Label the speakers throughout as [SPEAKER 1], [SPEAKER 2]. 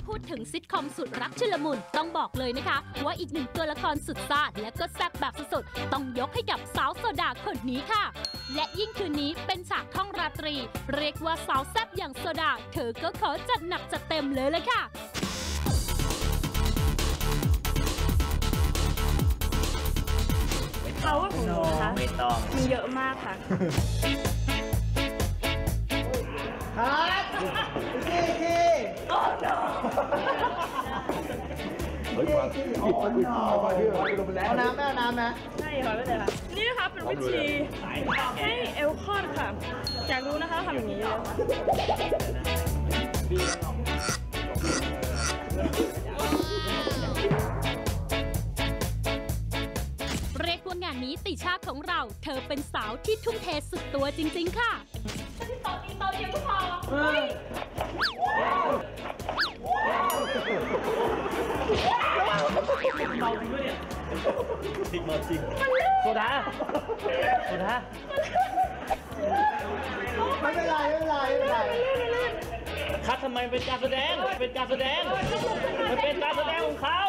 [SPEAKER 1] พูดถึงซิทคอมสุดรักชุลมุนต้องบอกเลยนะคะว่าอีกหนึ่งตัวละครสุดซ่าและก็แซ่บแบบสุดๆต้องยกให้กับสาวโซดาคนนี้ค่ะและยิ่งคืนนี้เป็นฉากท่องราตรีเรียกว่าสาวแซ่บอย่างโซดาเธอก็ขอจัดหนักจัดเต็มเลยค่ะ
[SPEAKER 2] เขาว่าของหนูนะคะไม่ต้องมีเยอะมากค่ะ
[SPEAKER 3] โอ้โหเฮ้ยเอาน้ำไหมเอาน้ำไหม
[SPEAKER 2] ใช่ค่ะไม่เลยค่ะนี่นะคะเป็นวิธีให้เอลคอดค่ะอยากรู้นะคะทำอย่างนี้เลย
[SPEAKER 1] เรียกว่างานนี้ติชาของเราเธอเป็นสาวที่ทุ่มเทสุดตัวจริงๆค่ะที่ต่อตีเตาเดียวก็พอ
[SPEAKER 4] เมาจริงด้วยเนี่ยจริงมาจริงโซดา
[SPEAKER 3] ไม่เป็นไร
[SPEAKER 4] คัดทำไมเป็นการแสดงมันเป็นการแสดงของเขา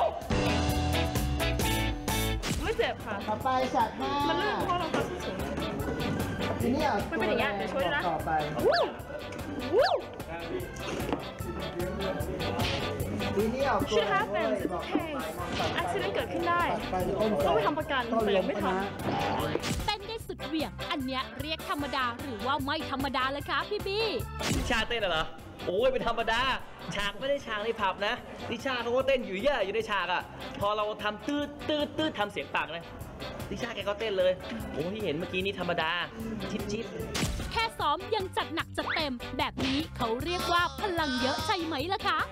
[SPEAKER 2] ไม่เจ็บค่ะ
[SPEAKER 3] ต่อไปฉากห้า
[SPEAKER 2] มันลื่นเพราะเราสูง
[SPEAKER 3] ทีนี้
[SPEAKER 2] มันเป็นอย่างเงี้ยเดี๋ยวช่วยนะ
[SPEAKER 3] ต่อไปทีนี้เอาตัว
[SPEAKER 2] Shit happens it's okay accident เกิดขึ้นได้ต้องไปทำประกันแต่ยังไม่ทำ
[SPEAKER 1] เต้นได้สุดเหวี่ยงอันเนี้ยเรียกธรรมดาหรือว่าไม่ธรรมดาเลยคะพี่บี้
[SPEAKER 4] นิชาเต้นเหรอโอ้ยเป็นธรรมดาฉากไม่ได้ฉากในผับนะนิชาเขาก็เต้นอยู่เยอะอยู่ในฉากอ่ะพอเราทำตืดทำเสียงปากนะนิชาแกก็เต้นเลยโอ้ที่เห็นเมื่อกี้นี่ธรรมดาชิด
[SPEAKER 1] แค่ซ้อมยังจัดหนักจัดเต็มแบบนี้เขาเรียกว่าพลังเยอะใช่ไหมล่ะคะ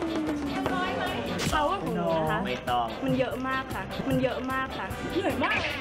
[SPEAKER 2] เขาว่าของหนูนะคะ
[SPEAKER 4] ไม่ต้อง
[SPEAKER 2] มันเยอะมากค่ะเหนื่อยมากเลย